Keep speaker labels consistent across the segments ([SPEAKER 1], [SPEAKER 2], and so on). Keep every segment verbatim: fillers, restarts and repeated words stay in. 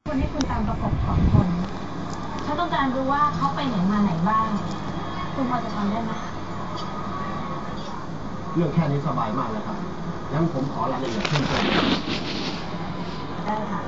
[SPEAKER 1] คนให้คุณตามประกบสองคนฉันต้องการรู้ว่าเขาไปไหนมาไหนบ้างคุณพอจะทำได้ไหม
[SPEAKER 2] เรื่องแค่นี้สบายมากเลยครับงั้นผมขอรายละเอียดเพิ่มเติม
[SPEAKER 1] ได้ค่ะ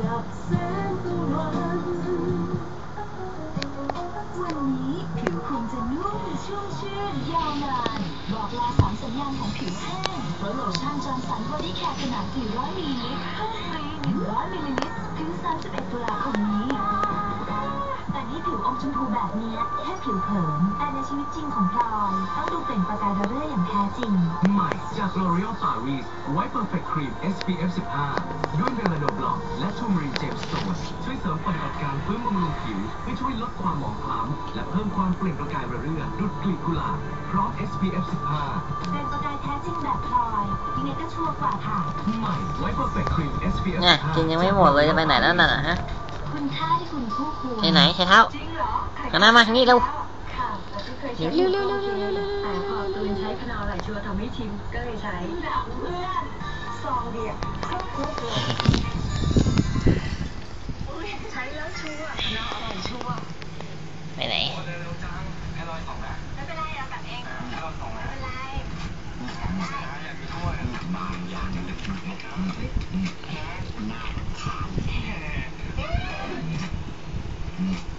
[SPEAKER 3] วันนี้ผิวคุณจะนุ่มชุ่มชื่นยาวนานบอกลาสามสัญญาณของผิวแห้งเพราะโลชั่นจอร์นสันบอดี้แคร์ขนาดสี่ร้อยมิลลิลิตรเพิ่มฟรีหนึ่งร้อยมิลลิลิตรถึงสามสิบเอ็ดตุลาคมนี้แต่นี่ผิวอมชมพูแบบนี้แค่ผิวเผินแต่ในชีวิตจริงของพลอยต้องดูเปล่งประกายระเรื่ออย่างแท้จริง
[SPEAKER 4] ใหม่จาก L'Oréal Paris White Perfect Cream เอส พี เอฟ สิบห้า ด้วยเมลาโนบล็อกและทูมารีนเจมส์สโตนช่วยเสริมปฏิบัติการฟื้นบำรุงผิวให้ช่วยลดความหมองคล้ำและเพิ่มความเปล่งประกายระเรื่อดุจกลีบกุหลาบพร้อม เอส พี เอฟ สิบห้า
[SPEAKER 3] เปล่งประกายแท้จริงแบบพลอยยังไงก็ชัวร์กว่าค่ะ
[SPEAKER 4] ใหม่ White Perfect Cream เอส พี เอฟ
[SPEAKER 5] เนี่ย
[SPEAKER 4] สิบห้า
[SPEAKER 5] กินยังไม่หมดเลยจะไปไหนแล้วน่ะฮะ
[SPEAKER 3] คุณค่าที่คุณคู่ควร
[SPEAKER 5] ไปไหนใช้เท้าหันหน้ามาทางนี้เร็ว
[SPEAKER 1] ค่ะแต่ที่เคยใช้
[SPEAKER 5] เร็วเร็วเร็วเร็วเร็วเร็ว
[SPEAKER 1] แต่พอตูนใช้พนาวหลายชัวร์ทำให้ชิมก็เลยใช้เพื่อนซองเดียวครบครบเลยใช้แล้วชัวร์พนาวอร่อยชัวร์
[SPEAKER 5] ไปไหน
[SPEAKER 1] ไม่เป็นไรเอากลับเองไม่เป็นไร
[SPEAKER 2] บางอย่างเล็กๆน่าทานแท้